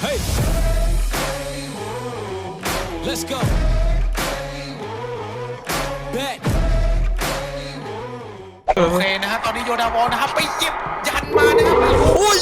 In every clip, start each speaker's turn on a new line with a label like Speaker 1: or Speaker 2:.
Speaker 1: Hey let's go back
Speaker 2: โอเคนะฮะตอนนี้โยดาวอลนะครับไปเก็บยันมานะครับโอ้ย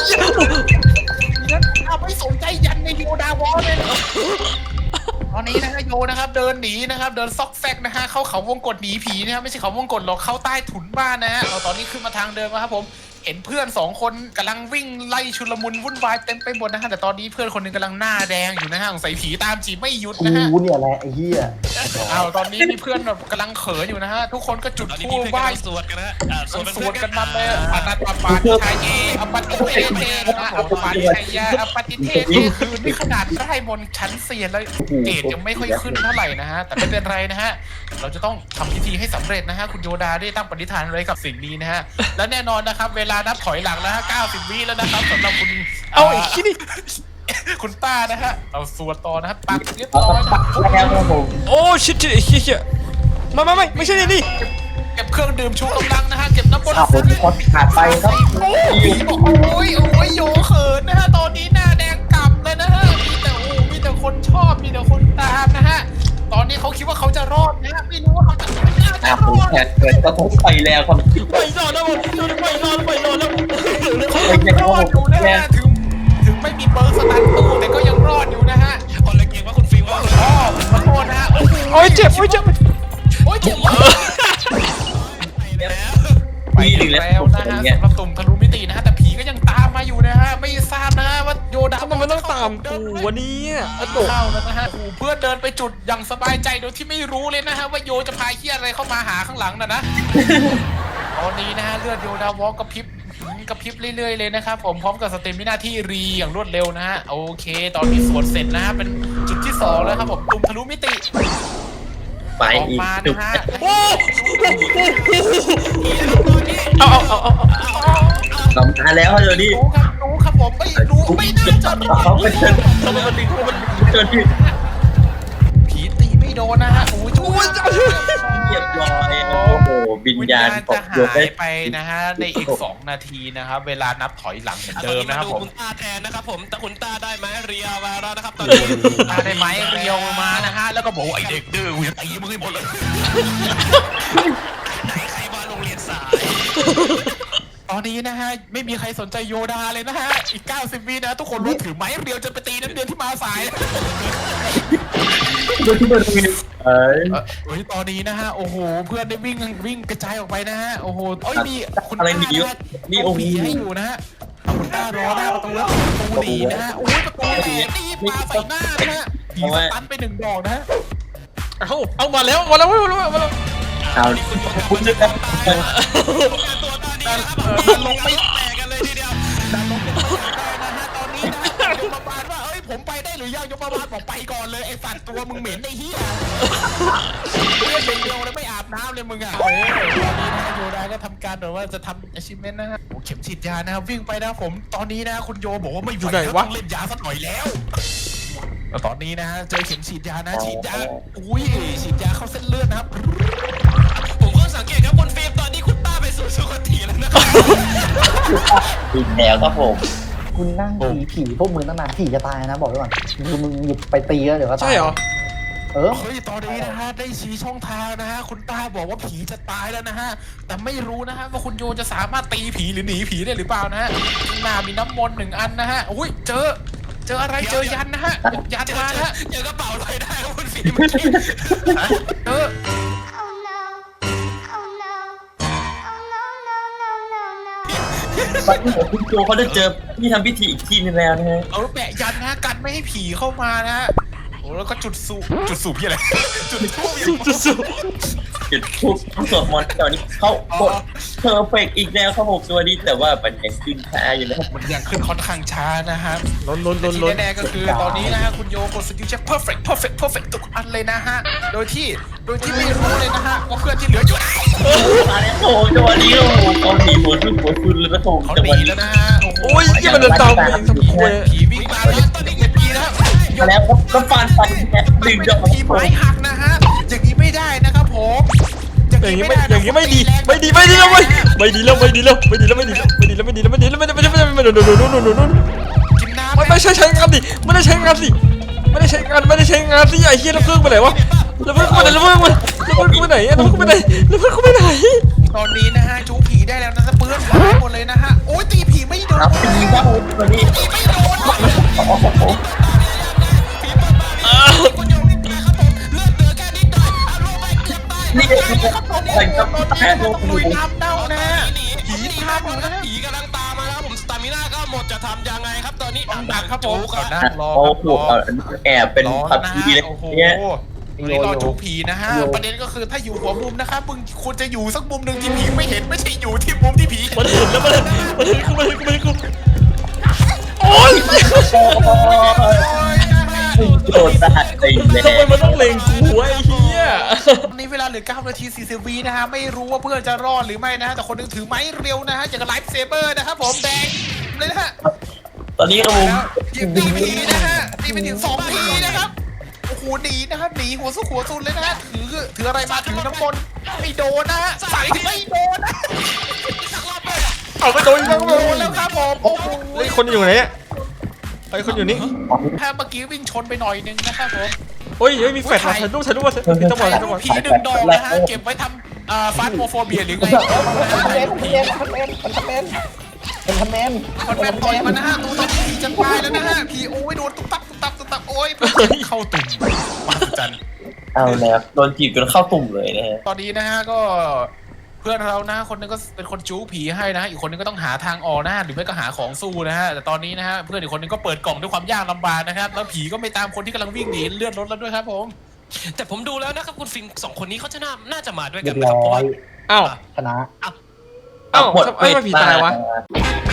Speaker 2: ไม่สนใจยันในโยดาวอลเลยตอนนี้นะฮะโยนะครับเดินหนีนะครับเดินซอกแซกนะฮะเข้าเขาวงกฏหนีผีนะครับไม่ใช่เขาวงกฏหรอกเข้าใต้ถุนบ้านนะฮะตอนนี้ขึ้นมาทางเดิมครับผมเห็นเพื่อน2คนกำลังวิ่งไล่ชุลมุนวุ่นวายเต็มไปหมดนะฮะแต่ตอนนี้เพื่อนคนนึงกำลังหน้าแดงอยู่นะฮะสงสัยผีตามจีบไม่หยุดนะฮะ
Speaker 3: กูเนี่ยแหละไอ้เหี้ย
Speaker 2: ตอนนี้มีเพื่อนแบบกำลังเขินอยู่นะฮะทุกคนก็จุด
Speaker 4: ตอนนี้
Speaker 2: ธู
Speaker 4: มี
Speaker 2: ป
Speaker 4: เพื่อน
Speaker 2: ไหว้
Speaker 4: กำลังสวดกันนะฮะ
Speaker 2: สวด
Speaker 4: สวดเป็นเพื่อน
Speaker 2: กันมาเลยอนัตตปาทิชายเยอปฏิเทเทนะอปาทิชัยยะอปฏิเทเทคือนี่ขนาดไร่มนต์ชั้นเซียนแล้วเกรดยังไม่ค่อยขึ้นเท่าไหร่นะฮะแต่ไม่เป็นไรนะฮะเราจะต้องทำพิธีให้สำเร็จนะฮะคุณโยดาได้ตั้งปณิธานอะไรกับสิ่งนี้นะฮะและแน่นอนนะครับเวลานับถอยหลังแล้วฮะ90 วิแล้วนะครับสำหรับคุณเอาอีกที่นี่คุณป้านะฮะเอาสวดต่อนะครับปักเรียบ
Speaker 3: เอา
Speaker 2: ร้อย
Speaker 3: ปักแล้วครับผม
Speaker 1: โอ้ชิเชี่ยไม่ใช่นี่
Speaker 2: เก็บเครื่องดื่มชูกำลังนะฮะเก็บน้ำบน
Speaker 3: ขับผมคอขาดไปครับ
Speaker 2: ผีบอกโอ้ยโยเขินนะฮะตอนนี้หน้าแดงกล่ำเลยนะฮะมีแต่คนชอบมีแต่คนตามนะฮะตอนนี้เขาคิดว่าเขาจะรอดนะฮะไม่รู้ว่าเขาจะร
Speaker 3: ผม
Speaker 2: อด
Speaker 3: แขกเกิดก็ทบไปแล้วครับ
Speaker 1: ไม่รอดแล้วไม่รอดแล้ว
Speaker 2: เขายังรอดอยู่นะฮะถึงไม่มีเบอร์สตันตู้แต่ก็ยังรอดอยู่นะฮะ
Speaker 4: คนละเกมว่าคุณฟิล์มว่า
Speaker 2: อ๋อขอโทษนะฮะ
Speaker 1: โอ้ยเจ็บ
Speaker 2: โอ้ยเจ็บ
Speaker 4: แล้ว
Speaker 2: ไปแล้วนะฮะสำหรับตุ่มทะลุมิตินะฮะแต่ผีก็ยังตามมาอยู่นะฮะไม่ทราบนะฮะว่าโยดา
Speaker 1: ทำไมมันต้องตามกูวันนี้อะโดด
Speaker 2: เข้าแล้วนะฮะเพื่อนเดินไปจุดอย่างสบายใจโดยที่ไม่รู้เลยนะฮะว่าโยจะพาเฮียอะไรเข้ามาหาข้างหลังนะตอนนี้นะฮะเลือดโยดาวอลกระพริบเรื่อยๆเลยนะครับผมพร้อมกับสเตมิน่าที่รีอย่างรวดเร็วนะฮะโอเค ตอนนี้สวดเสร็จนะฮะเป็นจุดที่2แล้วครับผมตุ่มทะลุมิติ
Speaker 3: ไป
Speaker 2: ออก
Speaker 3: อีก
Speaker 2: มา
Speaker 3: จุด
Speaker 2: นะฮะ
Speaker 1: เอา
Speaker 3: สำคัญแล้วเดี๋ยวนี้
Speaker 2: รู้ครับผมไม่น่าจะรอ
Speaker 3: เขาเป็น
Speaker 2: ด
Speaker 3: เชิญที่
Speaker 2: ผีตีไม่โดนนะฮะโอ้ยช่วย
Speaker 3: เรียบร้อยโอ้โหวิญญาณต
Speaker 2: จะ
Speaker 3: กโย
Speaker 2: หาน
Speaker 3: ได้
Speaker 2: ยไปนะฮะในอีก2 นาทีนะครับเวลานับถอยหลังเหมือนเดิมนะครับผม
Speaker 4: คุณตาแทนนะครับผมแต่คุณตาได้ไหมเรียมาแล้วนะครับตอนนี้
Speaker 2: ตาได้ไหมเรียวมานะฮะแล้วก็บอกว่าไอเด็กดื้อกูจะตีมึงให้หมดเลย
Speaker 4: ไหนใครมาโรงเรียนสาย
Speaker 2: ตอนนี้นะฮะไม่มีใครสนใจโยดาเลยนะฮะอีก90 วินะทุกคนรู้ถือไม้เรียวจะไปตีนักเรียนที่มาสาย
Speaker 3: ดูที่บริเวณ
Speaker 2: เฮ้ยตอนนี้นะฮะโอ้โหเพื่อนได้วิ่งกระจายออกไปนะฮะโอ้โหเอ้ยมีคุณ
Speaker 3: อะไร
Speaker 2: ตา
Speaker 3: หนีอยู่
Speaker 2: นะฮะ
Speaker 3: นี่โอ้โห
Speaker 2: ผีให้อยู่นะฮะคุณตารอหน้าประตูแล้วประตูหนีนะฮะโอ้ยประตูแตกตีปาใส่หน้านะฮะผีสตันไป1 ดอกนะฮะ
Speaker 1: เอามาแล้ว
Speaker 3: เอาคุณจะ
Speaker 4: ตัวตานี้นะครับลงไม่แตกกันเลยทีเดียว
Speaker 2: ดันลงเป็นตัวได้นะฮะตอนนี้นะยมบาลว่าเอ้ยผมไปได้หรือยังยมบาลบอกไปก่อนเลยไอ้สัตว์ตัวมึงเหม็นไอ้เหี้ยเรียกเป็นเดียวเลยไม่อาบน้ำเลยมึงอ่ะตอนนี้นะโยดาก็ทำการแบบว่าจะทำ achievement นะฮะโอ้เข็มฉีดยานะครับวิ่งไปนะผมตอนนี้นะคุณโยบอกว่าไม่ไหวแล้วต้องเล่นยาสักหน่อยแล้วตอนนี้นะฮะเจอเข็มฉีดยานะฉีดยาอุ้ยฉีดยาเข้าเส้นเลือดนะครับ
Speaker 4: ผมก็สังเกตครับคุณฟิล์มตอนนี้คุณตาไปสู่สุคติแล้วนะครับ
Speaker 3: อีกแล้วครับผมคุณนั่งผีพวกมึงตั้งนานผีจะตายนะบอกไว้ก่อนคือมึงหยิบไปตีแล้วเดี๋ยวก็ตาย
Speaker 1: ใช่เหรอ
Speaker 3: เออ
Speaker 2: เฮ้ยตอนนี้นะฮะได้ชี้ช่องทางนะฮะคุณตาบอกว่าผีจะตายแล้วนะฮะแต่ไม่รู้นะฮะว่าคุณโยจะสามารถตีผีหรือหนีผีได้หรือเปล่านะฮะหน้ามีน้ำมนต์1 อันนะฮะอุ้ยเจออะไรเจอยันนะฮะยันมานะฮะ
Speaker 4: เจอกระเป๋าลอยได้ครับคุณฟิล์ม
Speaker 2: เจอ
Speaker 5: Oh no. Oh no. Oh no, no, no, no, no.
Speaker 3: ตอนนี้คุณโจเขาได้เจอที่ทำพิธีอีกทีนึงแล้วนะฮะ
Speaker 2: เอาแปะยันนะกันไม่ให้ผีเข้ามานะฮะโอ้แล้วก็จุดสูบพี่อะไรจุดทูบ
Speaker 3: จุดทุบสวดมนต์ตอนนี้เขากดเพอร์เฟกอีกแล้วครับผมตัวนี้แต่ว่ามันยังขึ้นช้าอยู่นะครับ
Speaker 2: มันยังขึ้นค่อนข้างช้านะฮะ
Speaker 1: ล้น
Speaker 2: ที่แน่ๆก็คือตอนนี้นะฮะคุณโยกดสกิลเช็ค perfect ทุกอันเลยนะฮะโดยที่ไม่รู้เลยนะฮะว่าเพื่อนที่เหลืออยู่ไหน
Speaker 3: มาแล้วโอ้จังหวะนี้โอ้โหเขาหนีหัวขึ้นเลยนะโถ
Speaker 2: เขา
Speaker 3: จัง
Speaker 2: ห
Speaker 3: หวะ
Speaker 2: นี
Speaker 3: นี้
Speaker 2: แล้วนะฮะ
Speaker 1: โอ้ยยังมันเดินตามกูทำคุย
Speaker 2: ผีวิ่งมาแล้วตอนนี้เก็บผีนะ
Speaker 3: มาแล้วก็ฟานไปแค่ดึงจะ
Speaker 2: ผีไม้หักนะฮะอย่างนี้ไม่ได้นะครับผม
Speaker 1: อย่างนี้ไม่ดีแล้วไม่ดีแล้ว
Speaker 2: กินน้ำ
Speaker 1: ไม่ใช่ใช้งานดิไม่ได้ใช้งานสิไม่ได้ใช้งานสิไอ้เหี้ยแล้วเพิ่งไปไหนวะแล้วเพิ่งไปไหนแล้วเพิ่งไปไหนแล้วเพิ่งไปไหน
Speaker 2: ตอนนี้นะฮะจูผีได้แล้วนะเปื้อนหายหมดเลยนะฮะโอ้ยตีผีไม่โดน
Speaker 3: ครับตีครับผมตัวนี้
Speaker 2: ตีไม่โดน
Speaker 3: โอ้โห
Speaker 4: คุณโยมนี่นะครับผมเลือดเหลือแค่นิดหน่อยอารมณ์ไปเกือบตาย
Speaker 3: นี่คืออะไรครับ
Speaker 2: ตอนนี้
Speaker 3: แพ้
Speaker 2: ต้
Speaker 3: ลู
Speaker 2: อก ง
Speaker 3: ห
Speaker 2: ลุย
Speaker 3: นู
Speaker 2: น้ำเน่านะ
Speaker 4: ผีข้ามอยู่นะผีกำลังตามมาแล้วผมสตามิน่าก็หมดจะทำยังไงครับตอนนี้
Speaker 2: ต้องดักครับผม
Speaker 4: จุก
Speaker 2: ก่อน
Speaker 4: อะ
Speaker 2: นะรอ
Speaker 3: โอ้
Speaker 2: ครับ
Speaker 3: โห
Speaker 2: รอ
Speaker 3: แอบเป็น
Speaker 2: รอ
Speaker 3: ผับ
Speaker 2: นะ
Speaker 3: ที
Speaker 2: ฮะ
Speaker 3: เลย
Speaker 2: โอ้โห
Speaker 3: เนี่ย
Speaker 2: วันนี้รอจูผีนะฮะประเด็นก็คือถ้าอยู่หัวมุมนะครับมึงควรจะอยู่สักมุมหนึ่งที่ผีไม่เห็นไม่ใช่อยู่ที่มุมที่ผีเห็น
Speaker 1: มันเห็นแล้วมันเห็นกูโอ๊ย
Speaker 2: โอ้ยนะฮะ
Speaker 3: โดนตาไปแล้
Speaker 1: ทำไม
Speaker 3: ว
Speaker 1: มันต้องเล็งกูไอ้เหี้ย
Speaker 2: ตอนนี้เวลาเหลือ9 นาที 40 วินะฮะไม่รู้ว่าเพื่อนจะรอดหรือไม่นะฮะแต่คนหนึงถือไม้เร็วนะฮะอย่างกับไลฟ์เซเบอร์นะครับผมแดงเลยนะฮะ
Speaker 3: ตอนนี้ครับผม
Speaker 2: แล้วยิงตีผีนะฮะตีไปถึง2 ทีนะครับโอ้โหหนีนะครับหนีหัวสู้หัวซุนเลยนะฮะถืออะไรมาถือน้ำมนต์ไม่โดนนะฮะใส่ไม่โดนนะ
Speaker 1: เอาไปโดนอีกแล้ว
Speaker 2: โดนแล้วครับผมโอ้โห
Speaker 1: ไอ้คนอยู่ไหนเนี่ยไอ้คนอยู่นี่
Speaker 2: ถ้าเมื่อกี้วิ่งชนไปหน่อยนึงนะครับผม
Speaker 1: โอ้ยมีแฟลชถ่ายรูปมาต้อง
Speaker 2: ถ่าย
Speaker 1: ต้อง
Speaker 2: รูปผีดึงดอกนะฮะเก็บไว้ทำฟาสโมโฟเบียหรือไงคนแมนต่อยมันนะฮะตัวตอนนี้ผีจะตายแล้วนะฮะผีโอ้ยโดนตุ๊บตับโอ้ยเข้าตุ่มมาจัน
Speaker 3: เอาแล้วโดนจีบจนเข้าตุ่มเลยนะฮะ
Speaker 2: ตอนนี้นะฮะก็เพื่อนเรานะคนนึงก็เป็นคนจู้ผีให้นะฮะอีกคนนึงก็ต้องหาทางออกนะฮะหรือไม่ก็หาของสู้นะฮะแต่ตอนนี้นะฮะเพื่อนอีกคนนึงก็เปิดกล่องด้วยความยากลำบากนะครับแล้วผีก็ไม่ตามคนที่กำลังวิ่งหนีเลือดลดแล้วด้วยครับผม
Speaker 4: แต่ผมดูแล้วนะครับคุณฟิล์มสองคนนี้เขาจะน่าจะมาด้วยกันนะครับเพราะว่า
Speaker 1: อ้าว
Speaker 6: ชนะ
Speaker 1: อ้าวทำไมผีตายวะ